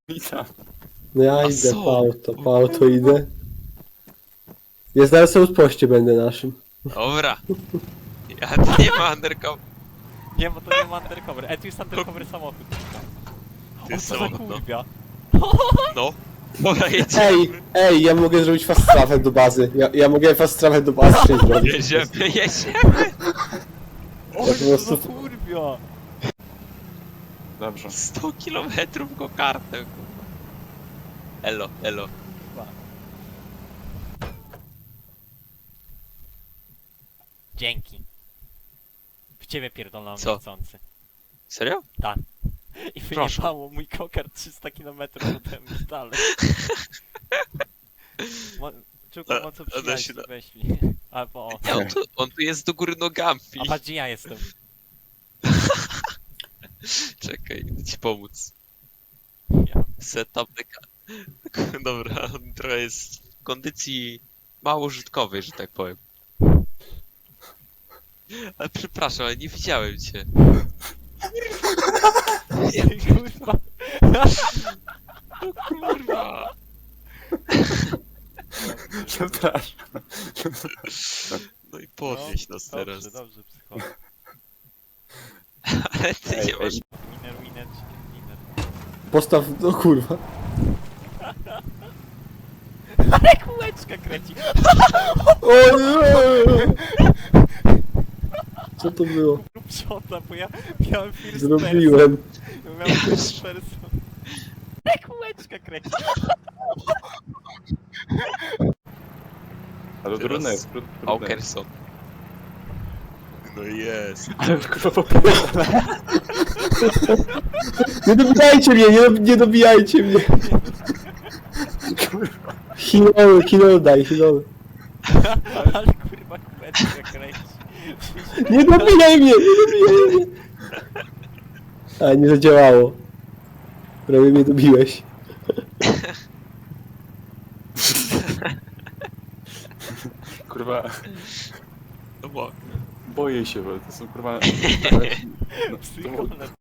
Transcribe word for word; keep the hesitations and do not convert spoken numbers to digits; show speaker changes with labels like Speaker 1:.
Speaker 1: Witam.
Speaker 2: No ja
Speaker 3: A
Speaker 2: idę
Speaker 3: co?
Speaker 2: po auto, po auto idę. Ja zaraz sobie w poście będę naszym.
Speaker 3: Dobra. Ja tu nie ma undercover.
Speaker 4: Nie, bo to nie ma undercover. E, tu jest undercover samochód.
Speaker 3: To jest
Speaker 4: O, co za
Speaker 3: samochód, no.
Speaker 4: kurwia.
Speaker 3: No. Dobra, jedziemy.
Speaker 2: Ej, ej, ja mogę zrobić fast travel do bazy. Ja, ja mogę fast travel do bazy przejść zrobić.
Speaker 3: Jedziemy, jedziemy.
Speaker 4: O,
Speaker 2: Ja po
Speaker 4: co za
Speaker 2: prostu-
Speaker 4: kurwia.
Speaker 1: Dobrze.
Speaker 3: sto kilometrów go kartę, kurwa. Elo, elo.
Speaker 4: Dzięki. W ciebie pierdolą
Speaker 3: Co?
Speaker 4: chcący.
Speaker 3: Serio?
Speaker 4: I
Speaker 3: Proszę.
Speaker 4: wyjebało mój kokar trzysta kilometrów ode mnie dalej. Mo Czuku,
Speaker 3: A-
Speaker 4: mo co
Speaker 3: a da
Speaker 4: przyjaźni
Speaker 3: się da-
Speaker 4: weźli. Albo o.
Speaker 3: Nie, on tu, on tu jest do góry nogami.
Speaker 4: A patrz, gdzie ja jestem.
Speaker 3: Czekaj, idę ci pomóc.
Speaker 4: Ja.
Speaker 3: Setup the car. Dobra, on trochę jest w kondycji mało użytkowej, że tak powiem. Ale przepraszam, ale nie widziałem cię.
Speaker 4: Kurwa.
Speaker 3: No kurwa.
Speaker 1: Przepraszam.
Speaker 3: No i podnieś nas
Speaker 4: Dobrze,
Speaker 3: teraz.
Speaker 4: dobrze, psycholog.
Speaker 3: Ale ty
Speaker 1: Ej,
Speaker 3: nie masz...
Speaker 1: ej.
Speaker 4: Winner, winner, chicken dinner.
Speaker 2: Postaw, no kurwa.
Speaker 4: Ale kółeczka kręci.
Speaker 2: O nie! Co to było?
Speaker 4: Rób shota, bo ja miałem first
Speaker 2: Zrobiłem.
Speaker 4: person. Miałem first person. Ale kółeczka kręci.
Speaker 1: Ale
Speaker 3: Teraz
Speaker 1: trudne jest, trud- trudne.
Speaker 3: Aukerson. No jest.
Speaker 1: Ale kurwa popierdolę.
Speaker 2: Nie dobijajcie mnie, nie, dob- nie dobijajcie mnie. Hinol, hinol daj, hinol.
Speaker 4: Ale kurwa kółeczka kręci.
Speaker 2: Nie dobijaj mnie, nie dobijaj mnie. A, nie zadziałało. Prawie mnie dobiłeś.
Speaker 1: Kurwa,
Speaker 3: No bo...
Speaker 1: boję się, bo to są kurwa... No, to,
Speaker 4: Psycholog.